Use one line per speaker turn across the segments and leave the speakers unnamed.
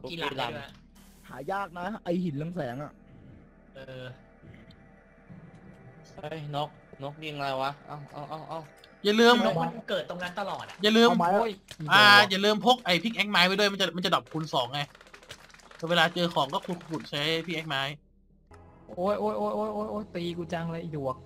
กี่หลังได้ด้วย
หายากนะไอหินเรืองแสงอ่ะ
เออ
เฮ้ยนกยิงอะไรวะเอา
อย่าลืม
นกมันเกิดตรงนั้นตลอดอ่ะ
อย่าลืม
เอาไม้
อย่าลืมพกไอ้พิกแอ็กไม้ไปด้วยมันจะดรอปคูณ2ไงเวลาเจอของก็ขุดใช้พิกแอ็กไม้
โอ้ยตีกูจังเลยอีดวก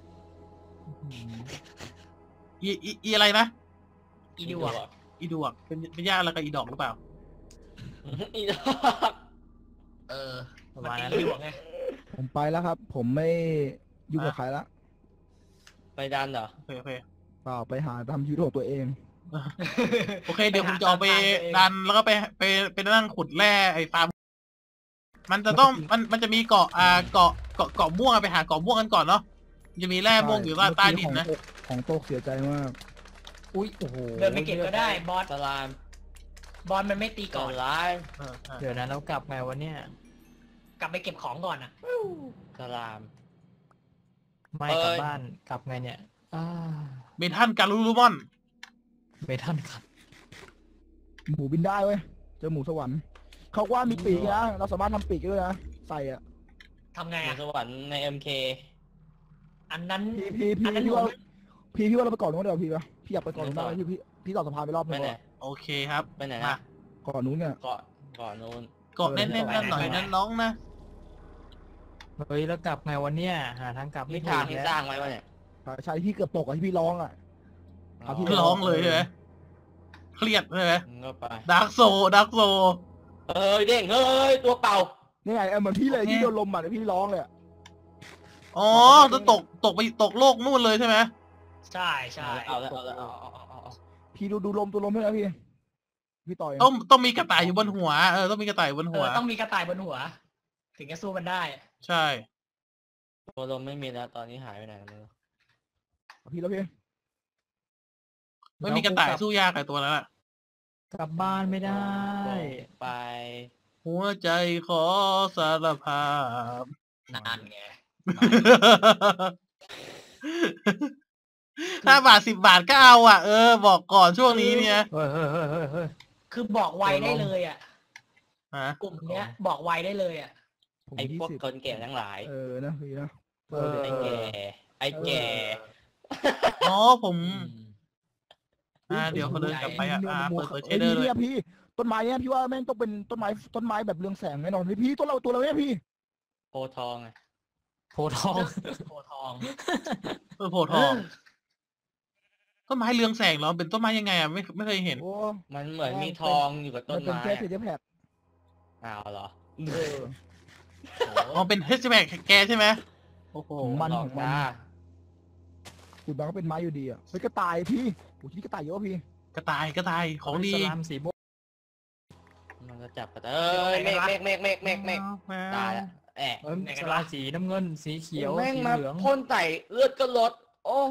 อีอะไรนะ
อีดิวอ่ะ
อีดวกเป็นญาติอะไรกับอีดอกหรือเปล่า
อีดอก
เออ
ประ
มัน
มาณ
เป็น
นั้น
ดิวไง
ผมไปแล้วครับ ผมไม่ยุ่งกับใครละ
ไปดันเหรอ
โอเค
เปล่าไปหาทำชีวิตของตัวเอง
โอเคเดี๋ยวผมจะออกไปดันแล้วก็ไปนั่งขุดแร่ไอ้ฟาร์มมันจะต้องมันจะมีเกาะเกาะม่วงไปหาเกาะม่วงกันก่อนเนาะจะมีแร่ม่วงอยู่ใต้ดินนะ
ของโตกเสียใจมาก
อุ้ยโอ้โห
เดินไปเก็บก็ได้บอส
สลาม
บอสมันไม่ตี
ก่
ก่
อ
อน น
ร้าย
เดี๋ยวนะเรากลับไงวันเนี้ย
กลับไปเก็บของก่อนอ่ะ
สลาม
ไม่
เอ้ย
กลับบ้านกลับไงเนี่ย
เมทันการูรูมอน
ไม่ทันครับ
หมูบินได้เว้ยเจอหมูสวรรค์เขาว่ามีปีกนะเราสามารถทำปีกด้วยนะใส่อ่ะ
ทำไง
อยู่
อ่ะ
สวรรค์ใน MK
อันนั้น
พี่ว่าเราไปก่อนนู้นเดี๋ยวพี่วะพี่อยากไปก่อนนู้นได้พี่ต่อสะพานไปรอบนึ
ไป
ง
ไหน
วะ
โอเคครับ
ไปไหน
มา
นะ
ก่อนนู้นเนี่ย
เกาะนู้น
เกาะแน่นๆหน่อยนั้นน้องนะ
เฮ้ยแล้วกลับไงวันเนี้ยหาทางกลับไม่
นี่
ถู
ทาง
ก
ที่
แล้ว
สร้างไว้วะเนี่ย
ใช่ที่เกือบตกอ่ะที่พี่ร้องอ่ะ ครับพี่
ร้องเลยใช่ไหมเครียดใช่ไหม
มึงก็ไป
ดาร์กโซ
เฮ้ยเด้งเฮ้ยตัวเป่า
นี่ไงเหมือนพี่เลยที่โดนลมอ่ะพี่ร้องเลย
อ๋อจะตกโลกนู่นเลยใช่ไหม
ใช่ใช่
เอาแล้วเอา
พี่ดูลมตัวลมให้นะพี่ต่อย
ต้องมีกระต่ายอยู่บนหัวต้องมีกระต่ายบนหัว
ต้องมีกระต่ายบนหัว ถึงจะสู้มันได้
ใช่
ตัวลมไม่มีแล้วตอนนี้หายไปไหนแล้ว
พี่แล้วพี่
ไม่มีกระต่ายสู้ยากไอ้ตัวนั้นแหละ
กลับบ้านไม่ได้
ไป
หัวใจขอสารภาพ
นั่นไง
5 บาท 10 บาทก็เอาอ่ะบอกก่อนช่วงนี้เนี่ย
เฮ้ย
คือบอกไวได้เลยอ่ะ
ฮะ
กลุ่มเนี้ยบอกไวได้เลยอ่ะ
ไอ้พวกคนแก่ทั้งหลาย
นะพี่นะ
ไอ้แก่ไอ้แก่
อ๋อผมเดี๋ยวเขาเดินกลับไปเปิดเชเดอร์เลย
พี่ต้นไม้เนี่ยพี่ว่าแม่งต้องเป็นต้นไม้แบบเรืองแสงแน่นอนพี่ตัวเราเนี่ยพี่
โพทองไง
โพทอง
โพทอง
โพธิ์ทองต้นไม้เรืองแสงเหรอเป็นต้นไม้ยังไงอ่ะไม่เคยเห็น
โอ้
มันเหมือนมีทองอยู่กับต้น
เป็น
ไม้
แค่เทปแพด
อ้าวเหรอ
อ๋อเป็นเฮสแบกแกใช่ไหมโอ้โห
มันของมันขุดมาก็เป็นไม้อยู่ดีอ่ะเฮ้ยกระต่ายพี่โอ้ที่กระต่ายเยอะพี่
กระต่ายของดี
สลามสีม่วง
มันก็จับกันเมฆตายแล้วแอะ
สลามสีน้ำเงินสีเขียว
แม่ง
สี
มา
เหลือง
พ่นไต่เลือดก็ลด โอ้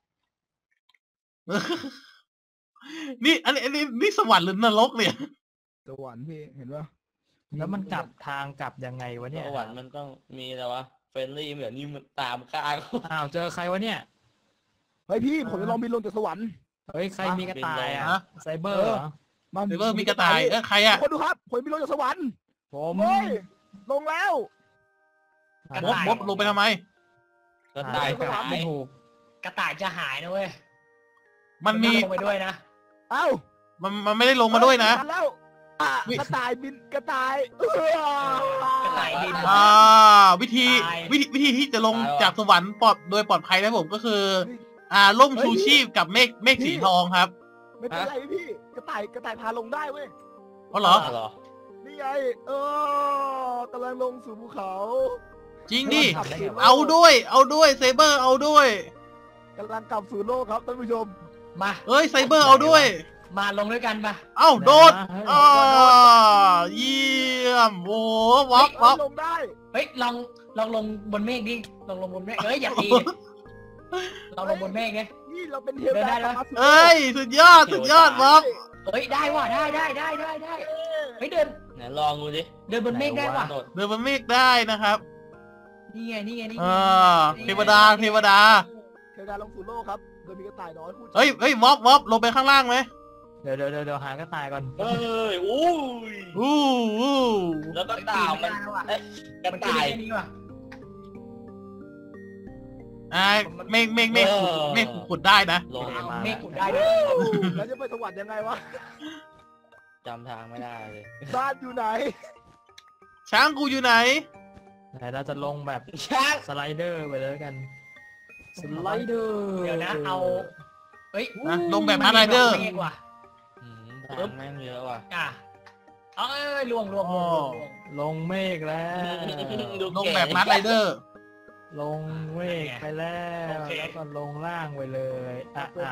นี่สวรรค์หรือนรกเนี่ย
สวรรค์พี่เห็นปะ
แล้วมันกลับทางกลับยังไงวะเนี่ย
สวรรค์มันต้องมีแล้ววะเฟรนลี่เหมือนนี่มันตามฆ่าเขา
อ้าวเจอใครวะเนี่ย
เฮ้ยพี่ผมจะลองบินลงจากสวรรค์
เฮ้ยใครมีกระต่ายอ่ะ
ฮะ
ไซเบอร์เหรอ
เดี๋ยวมีกระต่ายใครอ่ะ
คนดูครับผมบินลงจากสวรรค์
ผม
เฮ้ยลงแล้ว
มบลงไปทำไม
ก็ตาย
กลับ
หาย
ไม่ถูก
กระต่ายจะหายนะเว้ย
มันมี
ลงไปด้วยนะ
เอ้า
มันไม่ได้ลงมาด้วยนะ
แล้วกระต่ายบินกระต่าย
กระต่ายบิน
วิธีที่จะลงจากสวรรค์โดยปลอดภัยนะผมก็คือร่มชูชีพกับเมฆสีทองครับ
ไม่เป็นไรพี่กระต่ายพาลงได้เว้ย
อ๋อเหรอ
เหรอ
นี่ไงกำลังลงสู่ภูเขา
จริงดิ
ทำได้ไงวะ
เอาด้วยเซเบอร์เอาด้วย
กำลังกลับสู่โลกครับท่านผู้ชม
มา
เอ้ยไซเบอร์เอาด้วย
มาลงด้วยกันปะ
เอ้าโดด
เฮ้ย
เยี่ยมโอ้วับ
ลงได้
เฮ้ยลองลงบนเมฆดิลองลงบนเมฆเฮ้ยอย่าตีเราลงบนเมฆดิ
นี่เราเป็นเทว
เดินได้
ดา
แล้ว
เอ้ยสุดยอดวับ
เฮ้ยได้ว่ะได้เฮ้ยเดิน
ไหนลองดูดิ
เดินบนเมฆได้ว่ะ
โดด
เดินบนเมฆได้นะครับ
นี่ไง
เทวดา
เทวดาลงสู่โลกครับโดยมีกระต่ายน้อยพูด
เฮ้ยวับลงไปข้างล่างไหม
เดี๋ยวหากระต่ายก่อน
เอ้ยอู้ย
อู้
แล้วก็เต่ามันเอ๊ะกระ
มันขึ้น
ต่าย
แค่นี้ว่ะ
เมฆขุดได้นะ
ลง
เอาเมฆขุดได้ด้วย
แล้วจะไปสวรรค์ยังไงวะ
จำทางไม่ได้เลย
บ้านอยู่ไหน
ช้างกูอยู่ไหน
ไหนเราจะลงแบบ
ช้าง
สไลเดอร์ไปเลยกัน สไลเดอร์
เดี๋ยวนะเอาเฮ้ย
นะลงแบบฮาร์ดไรเดอร์
เมฆว่ะ
ทางแม่งเยอะว่ะ
อ่ะเอ้ยล่วง
ลงเมฆแล้ว
ลงแบบฮาร์ดไรเดอร์
ลงเมฆไปแล้ว แล้วก็ลงล่างไปเลยอ้าว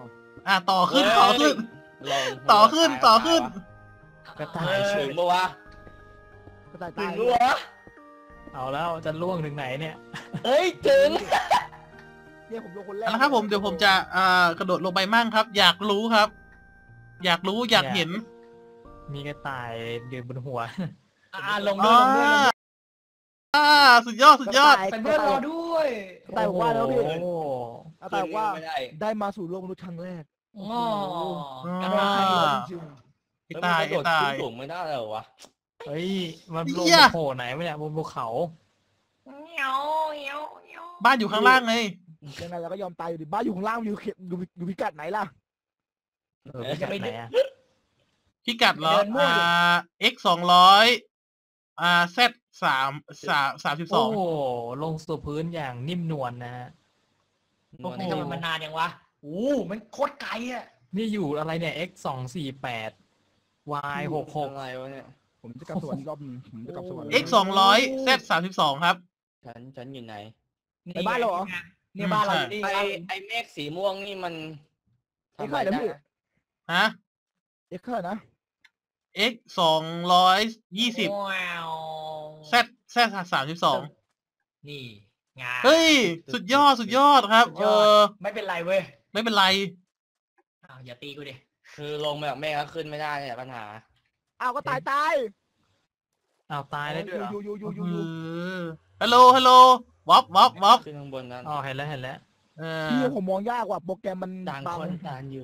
ต่อขึ้นต่อขึ้น
ลง
ต่อขึ้นต่อขึ้น
กระต่าย
ถึงปะวะ
กระต่าย
ถึ
ตาง ย
ปะวะ
เอาแล้วจะล่วงถึงไหนเนี่ย
เฮ้ยถึง
เนี่ยผมลงคนแรก
แล้วครับผมเดี๋ยวผมจะกระโดดลงไปมั่งครับ อยากรู้ครับ อยากรู้อยากเห็น
มีกระต่ายเดืนบนหัว
ลงด้วย
สุดยอดสุดยอด
ไปเพื่อนรอด้วย
กระต่ายบอกว่าแล้วพี่
โอ้โห
กระต่ายบอกว่า
ไม่ได้
ได้มาสู่โลกมนุษย์ครั้งแรก
อ๋อ
ก
ก
ระ
ระ
ต่า
ต่าย ย
จริง
ไอ้ตายไอ้ตาย
สูงไม่ได้เลยวะ
เฮ้ย มันลง
เหี้ย
โผล่ไหนวะเนี่ยบนภูเขา
เงี้ยวเงี้ยวเงี้ยว
บ้านอยู่ข้างล่างไง
ๆยังไงเราก็ยอมตายอยู่ดิบ้านอยู่ข้างล่างอยู่เขตอยู่พิกัดไหนล่ะ
พิกัดไหนอะ
พิกัดเหรอx 200 z 32
โอ้โหลงสู่พื้นอย่างนิ่มนวลนะฮะ
โอ้โหทำไมมันนานยังวะโอ้มันโคตรไกลอ่ะ
นี่อยู่อะไรเนี่ย x 248 y 66
อะไรวะเนี่ย
ผมจะกลับสวรรค์อีกรอบหนึงผมจะกลับสวรรค์
x 200 z 32ครับ
ฉันอยู่ไหน
ไปบ้านเราเหรอ
เนี่ยบ้านเราอยู่นี่
ไอเมฆสีม่วงนี่มัน
เอ็กซ์เท่าไหร่นะพี่
ฮะ
เอ็กซ์เท่าไหร่นะ
x 220
ว้าว
z 32
นี่งาน
เฮ้ย สุดยอดสุดยอดครับ
ไม่เป็นไรเว้ย
ไม่เป็นไร
อ้าวอย่าตีกูดิ
คือลงแบบเมฆก็ขึ้นไม่ได้เนี่ยปัญหา
อ้าวก็ตายตาย
อ้าวตายได้ด้วยเหรอ
อยู่
ฮัลโหลฮัลโหลวอปวอปวอป
ขึ้นข้างบนนั้น
อ๋อเห็นแล้วเห็นแล้ว
พี่ผมมองยากกว่าโปรแกรมมัน
ต่าง
บัง
คนต่างอยู่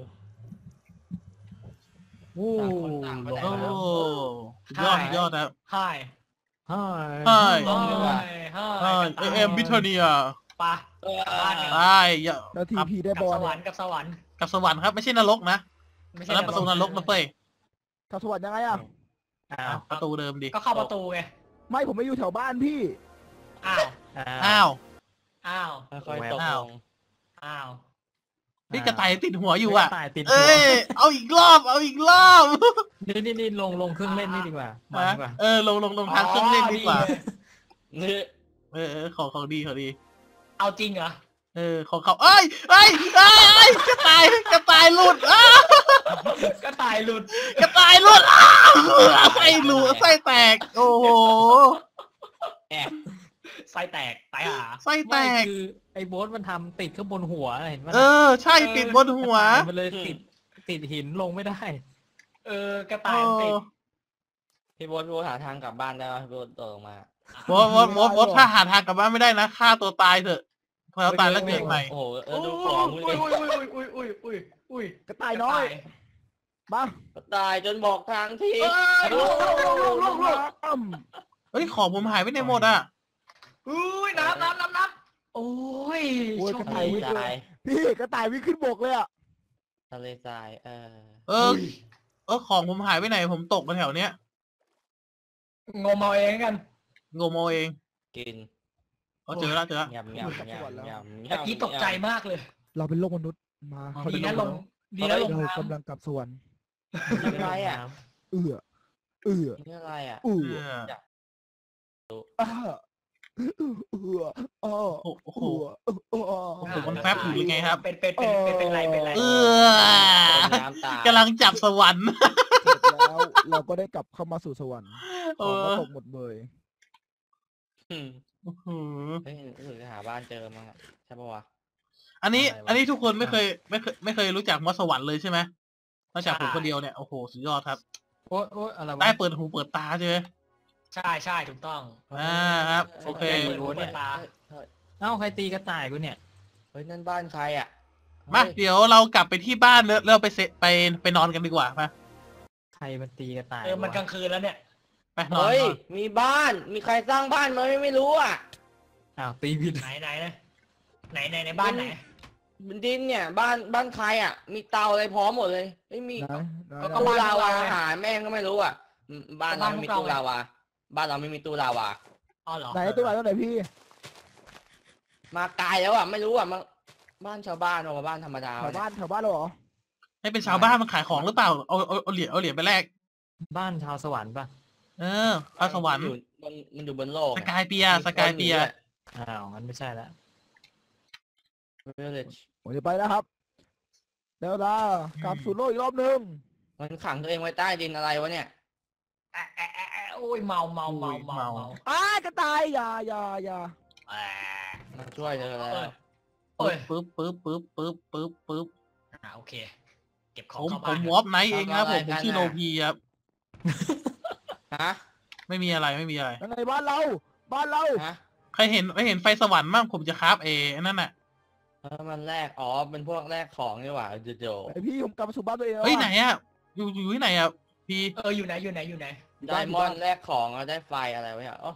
โอ้
ต่างคน
ล
ต่าง
ง
ไป
แล้ว
โอ้สุดยอดสุดยอดครับ
ไฮ
ใช่
ใช่
ลงดีกว่า
ใช่เอ็มบิทเนีย
ปะบ้านเนี่ย
ใช่อย่า
แล้วทีพีได้
กับบ
อ
ส
ล
วร
เนี่ย
รค์กับสวรรค์
กับสวรรค์ครับไม่ใช่นรกนะ
ไม่
ตอ
ใช่
นนั้นประตูนรกนะเฟ้ย
กับสวรรค์ยังไงอ่ะ
อ้าว
ประตูเดิมดิ
ก็เข้าประตูไง
ไม่ผมไม่อยู่แถวบ้านพี่
อ้าว
อ้าว
อ้าว
ค่อยๆตกลง
อ้าว
พี่กระต่ายติดหัวอยู่อ่ะ
กระต่ายติดหั
เอ้
วย
เอาอีกรอบเอาอีกรอบ
นี่ลงเครื่องเล่นนี่ดีกว่ามันดีกว่า
ลงทางเครื่องเล่นดีกว่า
นี่
ของดีของดี
เอาจริงเหรอ
ของเขาเอ้ยกระต่ายหลุด
ก็ตายหลุด
กระต่ายหลุดไส้หลุดไส้แตก โอ้โห
แอบ
ไส้แตกตายหา
ไส้แต
ไม่
ก
คือไอ้โบ๊ทมันทำติดข้างบนหัวเห็นไหม
ใช่ติดบนหัว
มันเลยติดหินลงไม่ได้
กระต่ายติด
พี่โบ๊ทหาทางกลับบ้านได้ป่ะพี่โบ๊ทตกลงมา
วดถ้าหาทางกลับบ้านไม่ได้นะฆ่าตัวตายเถอะพอเราตายแล้วเกิดใหม่
โอ้โหดูของมึง
อุ้
เลย
อุ้ย
กระต่ายน้อยบ้า
ตายจนบอกทางที
ลูก
เฮ้ยของผมหายไปไหนหมดอ่ะ
อุ้ยน้ำโอ้ย
โอ้ย
โช
ก
ค
ระต่าย
ดี
วิ่ง
ทราย
พี่กระต่ายวิ่งขึ้นบกเลยอ่ะ
ทะเลทราย
ของผมหายไปไหนผมตกมาแถวเนี้ย
งมเอาเองกัน
งมเอาเอง
กิน
เจอแล้ว
ยำ
เมื่อกี้ตกใจมากเลย
เราเป็นโลกมนุษย์มา
ดีนะลงดีนะลง
เรา
น้
กำลังกลับสวรรค์
อะไรอ่ะ
เอื้อ
นี่อะไรอ่ะ
เอื้อ
อยาก
โอ้โห
ำ
มันแฟบอยู่หรือไงครับ
เป็นไร
น้ำตาย
กำลังจับสวรรค์
เสร็จแล้วเราก็ได้กลับเข้ามาสู่สวรรค์ของก็ตกหมดเลย
เฮ้ยรู้สึกจะหาบ้านเจอมั้งใช่ปะวะ
อันนี้ทุกคนไม่เคยรู้จักมอสวรรค์เลยใช่ไหมนอกจากผมคนเดียวเนี่ยโอ้โหสุดยอดครับ
โอ๊ยอะไรวะ
ได้เปิดหูเปิดตาใช่ไหม
ใช่ถูกต้อง
ครับโอเค
เอ้าใครตีกระต่ายกูเนี่ย
เฮ้ยนั่นบ้านใครอ่ะ
มาเดี๋ยวเรากลับไปที่บ้านแล้วไปนอนกันดีกว่ามา
ใครมันตีกระต่าย
มันกลางคืนแล้วเนี่ย
ไปนอน
เฮ้ย
นอน
มีบ้านมีใครสร้างบ้านมาไม่รู้อ่ะ
อ้าวตีผิด
ไหนในบ้านไหน
บนดินเนี่ยบ้านใครอ่ะมีเตาอะไรพร้อมหมดเลยไม่มี
ไหนไหน
ก็
ตู้
บ้าน
ลาวา
เราไง
หาแม่งก็ไม่รู้อ่ะบ้านเราไม่มี
บ้านพวกเรา
ตู้ลาวาบ้านเราไม่มีตู้ลาวา
อ๋อเหรอ
ไหนตัวไหนตัวไหนพี่
มาไกลแล้วอ่ะไม่รู้อ่ะมาบ้านชาวบ้านเอามาบ้านธรรมดา
แถวบ้านเราเหรอ
ให้เป็นชาวบ้านมันขายของหรือเปล่าเอาเหรียญไปแลก
บ้านชาวสวรรค์ป่ะ
พระสวรรค์
มันอยู่บนโลก
สกายเปียร์
อ้าวงั้นไม่ใช่ละ
Village
ผมจะไปแล้วครับเดี๋ยวลากลับสู่โลกอีกรอบนึง
มันขังตัวเองไว้ใต้ดินอะไรวะเนี่ย
โอ้ยเมา
กระต่ายอย่า
มันช่วยเธอแล้ว
โอ้ย
ปึ๊บ
โอเค เก็บของ
ผม
เข้า
ผ
บ้าน
มวอปไนท์เองครับผมชื่อโลพีครับ
ฮะ
ไม่มีอะไร
ยังไงบ้านเรา
ฮะ
ใครเห็นไฟสวรรค์บ้างผมจะคราฟนั่นน่ะ
มันแรกเป็นพวกแรกของนี่หว่าโจ
ไอพี่ผมกลับมาสู่บ้านตัวเองแล้ว
เฮ้ยไหนอ่ะอยู่ที่ไหนอ่ะพี่
อยู่ไหน
ไดมอนด์แรกของแล้วได้ไฟอะไรวะเนี่ย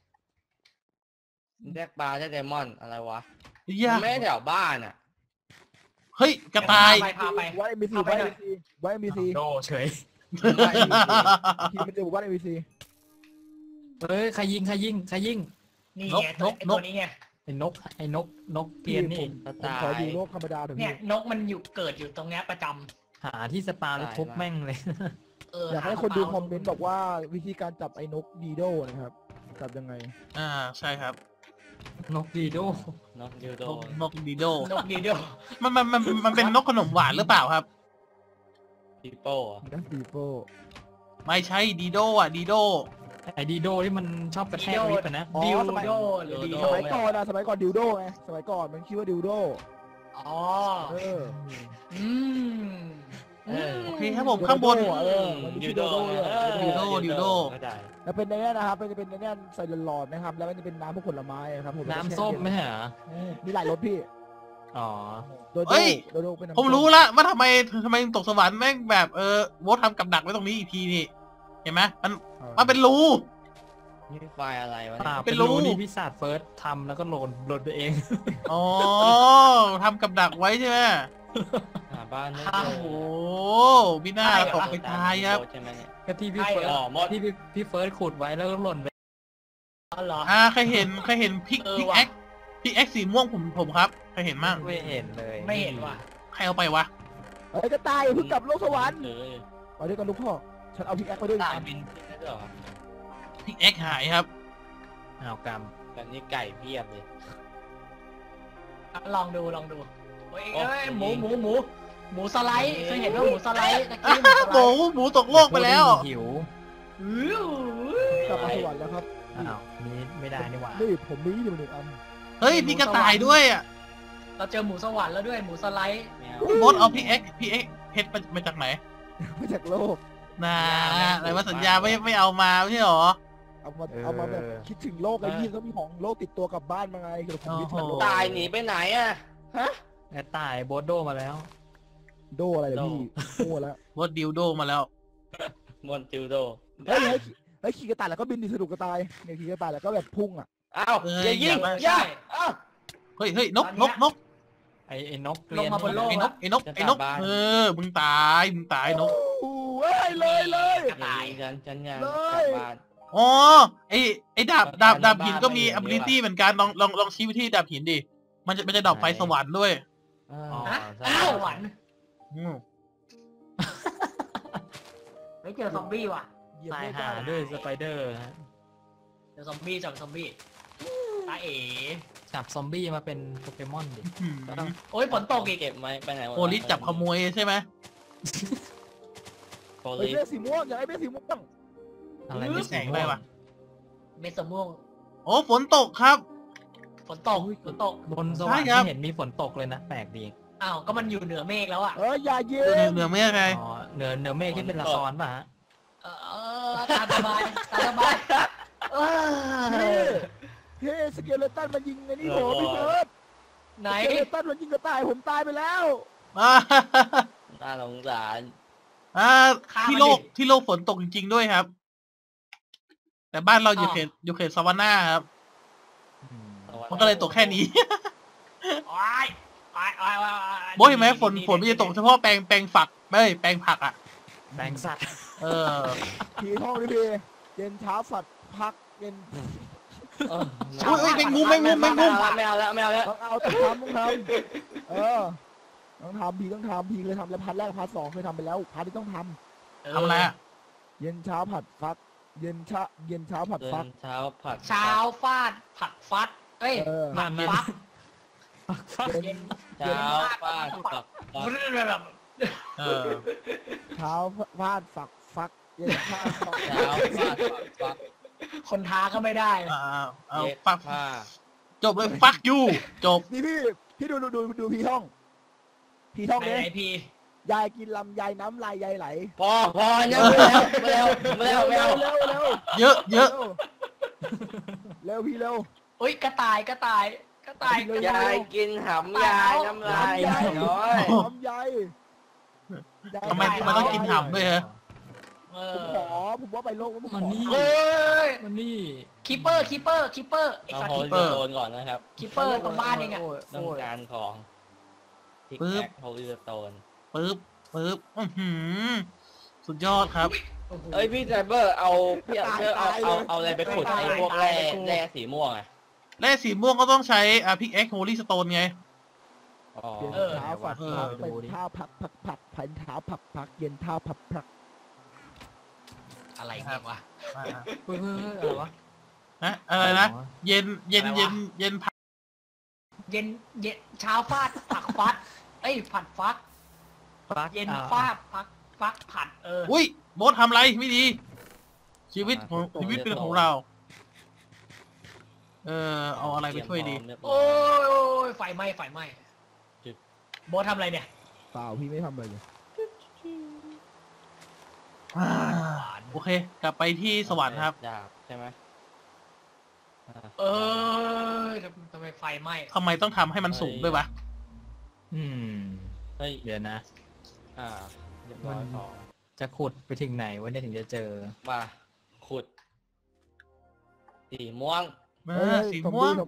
แรกปลาได้ไดมอนด์อะไรวะ
ย่า
ไม่ได้แถวบ้านอ่ะ
เฮ้ยกระต่าย
พาไป
ไว้ MBC ไว้ MBC
โดเฉย
พี่มันจะบอกว่า MBC
เฮ้ยใครยิง
นี่ไงตัวนี้ไง
ไอ้นกเพียนนี่
ผมขออยู่โลกธรรมดาเถอะ
เนี่
พี่
ยนกมันเกิดอยู่ตรงเนี้ยประจำ
หาที่สปาแล้วทุบแม่งเลย
อยากให้คนดูคอมเมนต์บอกว่าวิธีการจับไอ้นกดีโดนะครับจับยังไง
ใช่ครับ
นกดีโด
นกยูโด
นกดีโด
นกดีเดียว
มันเป็นนกขนมหวานหรือเปล่าครับ
ปีโป้อะ
ดัสตีโฟ
ไม่ใช่ดีโดอ่ะดีโด
ไอ้ดีโดที่มันชอบกระแทกลิฟต์อะนะ
ดิวโดหรือดี
สมัยก่อนนะสมัยก่อนดิวโดไงสมัยก่อนมันคิดว่าดิวโด
อ๋อ
เออ
โอเคครับผมข้างบน
มัน
ยู
ชื่อ
โด
ดิวโด
ไม่ได้
แล้วเป็นในนี้นะครับมันจะเป็นในนี้ใส่หลอดนะครับแล้วมันจะเป็นน้ำพวกผลไม้ครับผม
น้ำส้มไหมฮะ
มีหลายรสพี่
อ๋อ
โดโดเป็นน้ำ
ผมรู้ละว่าทำไมตกสวรรค์แม่งแบบโวททำกับดักไว้ตรงนี้อีกทีนี่เห็นไหมมันเป็นรู
นี่ไฟอะไรวะ
ป่า
เนี่ย
เป็นรูนี่พิศาจเฟิร์สทำแล้วก็โหลดไปเอง
อ๋อทำกับดักไว้ใช่ไหม
หาบ้านไม่
โอ้
เจ
โห
อ
พี่หน้าตกไปตายครับ
ใช่ไหมเนี่ย
ก็ที่พี่เฟิร์ส
หมด
ที่พี่เฟิร์สขุดไว้แล้วก็หล่นไป
อ๋อเหรอ
ใครเห็นพิกแอ็กสีม่วงผมครับใครเห็นมั่ง
ไม่เห็นเลย
ไม่เห็นว่ะ
ใครเอาไปวะ
เอ้ยกระต่ายเพิ่งกลับโลกสวรรค์
เออ
ไปด้วยกันลูกพ่อฉันเอาพิกแอคไปด้วย
ตายบินขึ้นได้ด้วยเหรอ
พิกแอ็กหายครับ
อ้าวกรรม
แบบนี้ไก่เพียบเลย
ลองดูเฮ้ย
โอ้
หมูสไลด์เคยเห็นว่าหมูสไลด์ตะกี้
หมูตกโลกไปแล้ว
หิว
กลับมาสวรรค์แล้วครับ
อ้าวนี่ไม่ได้นี่หว่า
นี่ผมมีอยู่หนึ่งอัน
เฮ้ยมีกระต่ายด้วยอ่ะ
เราเจอหมูสวรรค์แล้วด้วยหมูสไลด์
แมว
มดเอาพิกแอ็กเพชรมาจากไหน
มาจากโลก
อะไรว่าสัญญาไม่เอามาไม่ใช่หรอ
เอามาแบบคิดถึงโลกไอ้พี่ต้องมีของโลกติดตัวกลับบ้านมาไงคือผมคิดถึงโลก
ตายหนีไปไหนอ่ะฮะ
ไอ้ตายโบสโดมาแล้ว
โดอะไรเดี๋ยวพี่โดแล้ว
วดดิวโดมาแล้ว
มอนติวโด
เฮ้ยขี่กระต่ายแล้วก็บินดิสนุกกระต่ายเนี่ยขี่กระต่ายแล้วก็แบบพุ่งอ่ะ
อ้าวอย่ายิงอย่าอ้าว
เฮ้ยนก
ไอ้นก
ลงมาบนโลก
ไอ้นกมึงตายนก
โอ้ยเลย
กระต่าย
ฉันยัง
เล
กลั
ย
บบ้าน
อ๋อไอ้ดาบหินก็มี ability เหมือนกันลองชี้ไปที่ดาบหินดิมันจะดับไฟสวรรค์ด้วย
อ๋อ
ฮะ
ใช่
สวรรค์ ไม่เจอซอมบี้ว่ะ
ตายหาด้วยสไปเดอร์ฮะ
เจอซอมบี้จับซอมบี้ตาเอ๋
จับซอมบี้มาเป็นโปเกมอนดิ
โอ้ยฝนตกอีก
เก็บไหมไปไหน
โพลิสจับขโมยใช่ไหม
โพ
ไอ้
ลิส
เสื้อสีม่วงอยากไอ้เสื้อสีม่วง
อะไรไม่
แสงอะไรวะ
เม็ดสม่วง
โอ้ฝนตกครับ
ฝนตก
บนสวรรค์
ใช่ครับ
ไม่เห็นมีฝนตกเลยนะแปลกดี
อ้าวก็มันอยู่เหนือเมฆแล้วอ่ะ
อย่าเย็
เหนือไม่ใคร
อ๋อเหนือเมฆที่เป็นละครป่ะฮะ
ตาสบาย
เฮ้สเกเลตันมันยิงไอ้นี่ผมพี่เบิร์ด
ไหน
สเกเลตันมันยิงกระต่ายผมตายไปแล้ว
น่าสงสาร
ที่โลกฝนตกจริงๆด้วยครับแต่บ้านเราอยู่เขตซาวาน่าครับมันก็เลยตกแค่นี้
โอ้ย
โบเห็นไหมฝนมันจะตกเฉพาะแปลงฝักไม่แปลงผักอ่ะ
แบงสัตว์
เออ
พี่ท่องดิพี่เย็นเช้าฝัดพักเย็น
อุ้ยแมงมุม
ไม่เอาแล้ว
ต้องเอาต้องทำต้องทำพี่ต้องทำพี่เคยทำแล้วพาร์ทแรกพาร์ท2เคยทำไปแล้วพาร์ทที่ต้องท
ทำอะไรอ่ะ
ำเย็นเช้าผัดฟัก เย็นเช้าผัดฟัก
เช้าผัด
เช้าฟาดผัดฟัดเอ้ยผัดฟัก
เย็น
เช้าฟาดผัก
แบบ
เออ
เช้าฟาดฟักเย็นเช้าฟัก
เช้าฟาดผัก
คนท้าก็ไม่ได้
เอาฟัก
ผ้า
จบเลยฟักยูจบ
นี่พี่ดูพี่ท่อง
ไหน
เนี่ย
พี่
ยายกินลำยายน้ำลายยายไหล
พอเนี่ยไม่เอา
เร็ว
เยอะ
เร็วพี่เร็ว
เอ้ยกระต่าย
ยายกินหำยายน้ำลายน้อย
ลำยาย
ทำไมต้องกินห่ำด้วยฮะ
ผมว่าไปโลกแล้ว
มันนี่
เอ้ย
มันนี่
คีเปอร์ไอ้
เอา
สัต
โฮ
ว์
ลโซนก่อนนะครับ
คีเปอร์ตรงบ้านเองอะ
ต้องการของพิกแอคโฮลโซน
ปึ๊บสุดยอดครับ
เอ้ยพี่ไซเบอร์เอาเอาอะไรไปขุดไอ้พวกแร่สีม่วงอ่ะ
แร่สีม่วงก็ต้องใช้พิกแอคโฮลี่สโตนไง
เย็นเท้าฝัดเป็นเท้าผัดพันเท้าพักเย็นเท้าพัก
อะไรเนี่ยวะ
เฮ้ยอะไรวะ
นะอะไรนะเย็นผัก
เย็นเช้าฟาดผักฟัดเอ้ยผัดฟัก
ฟัก
เย็นฟาดฟักผัด
อุ้ยโบสทำอะไรไม่ดี ชีวิตเป็นของเรา เอาอะไรไปช่วยดี
โอ้ยไฟไหม้โบททำอะไรเนี่ย
เปล่าพี่ไม่ทำอะไรเลย
โอเค กลับไปที่สวรรค์ครับ
ดาบใช่ไหม
ทำไมไฟไหม้
ทำไมต้องทำให้มันสูงด้วยวะ
เฮ้ย
เดี๋ยวนะ
เรียบร้อยของ
จะขุดไปถึงไหนวะเนี่ยถึงจะเจอ
มาขุดสีม่วง
สีม่วง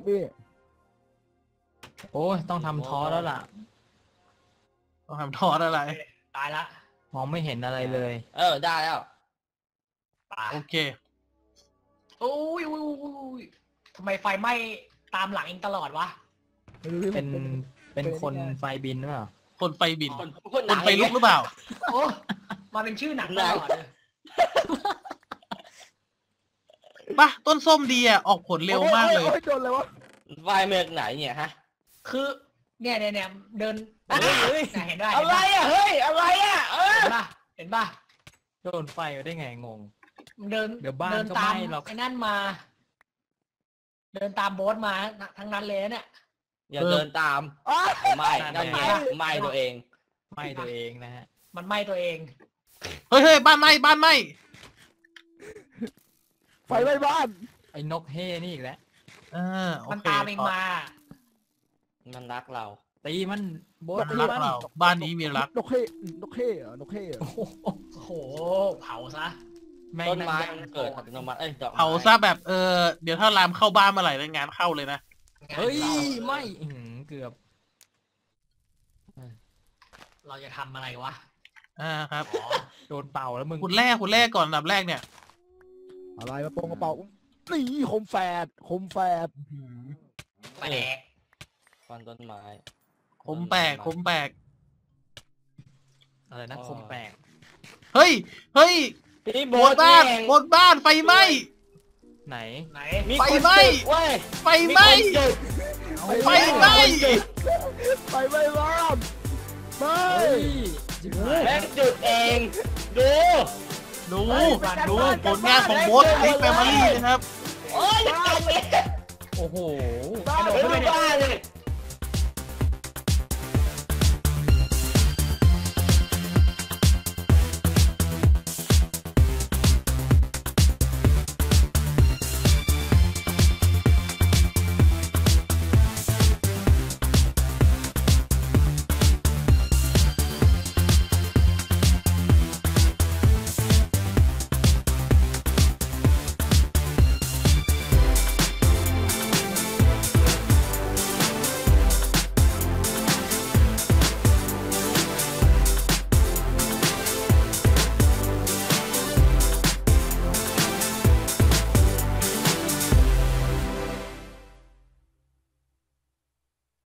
โอ้ยต้องทำท้อแล้วล่ะ
ต้องทำทอดอะไร
ตายละ
มองไม่เห็นอะไรเลย
ได้แล้ว
ตาย
โอเค
โอ้ยทำไมไฟไหม้ตามหลังเองตลอดวะ
เป็นคนไฟบินหรือเปล่า
คนไฟบิน
คน
คนไฟลุกหรือเปล่า
โอ้มาเป็นชื่อหนังตลอดเลย
ป่ะต้นส้มดีอ่ะออกผลเร็วมากเลย
โดนเลยวะ
ไฟเมืองไหนเนี่ยฮะ
คือเนี่ยเดินเห็นได้
อะไรอ่ะเฮ้ยอะไรอ่ะ
เห็นป่ะ
โดนไฟได้ไงงง
เดิน
เดี๋ยวบ้าน
เดิน
ก็
ตาม
ไหม้หรอก
ไอ้นั่นมา เดินตามโบ๊ทมาทั้งนั้นเลยเนี่ย
อย่าเดินตามไม่นั่นไงไม่ตัวเอง
ไหม้ตัวเองนะฮะ
มันไหม้ตัวเอง
เฮ้ยบ้านไหม้
ไฟไหม้บ้าน
ไอ้นกเฮ่นี่อีกแล้ว
โอ
มัน
เค
ตามเองมา
มันรักเรา
ตีมันโบ๊ท
มัน
ตี
รัก
มัน
เราบ้านนี้มีรัก
นกเข้เหรอนกเข้เหรอ
โอ้โหเผาซะ
ต้นไม้มันเกิดอัตโนมัติดอก
เผาซะแบบเดี๋ยวถ้าลามเข้าบ้านเมื่อไหร่งานเข้าเลยนะ
เฮ้ยไม่เกือบ
เราจะทำอะไรวะ
ครับ
โดนเป่าแล้วมึง
ขุดแร่ก่อนอันดับแรกเนี่ย
อะไรมาปงกระเป๋านี่คมแฝด
แปลก
ฟันต้นไม้
คมแปลก
อะไรนะคมแปลก
เฮ้ย
พี่
บนบ้านไฟไหม้
ไหน
ไหน
ไฟไหม้ ไฟไหม้
ไฟไหม้บ้านไม่
แม่งจุดเองดู
ดูผลงานของโบ๊ทลิกแฟมิลี่นะครับ
โอ้ย
โอ้โห
บ้าน
ไม่ได้บ้าเลย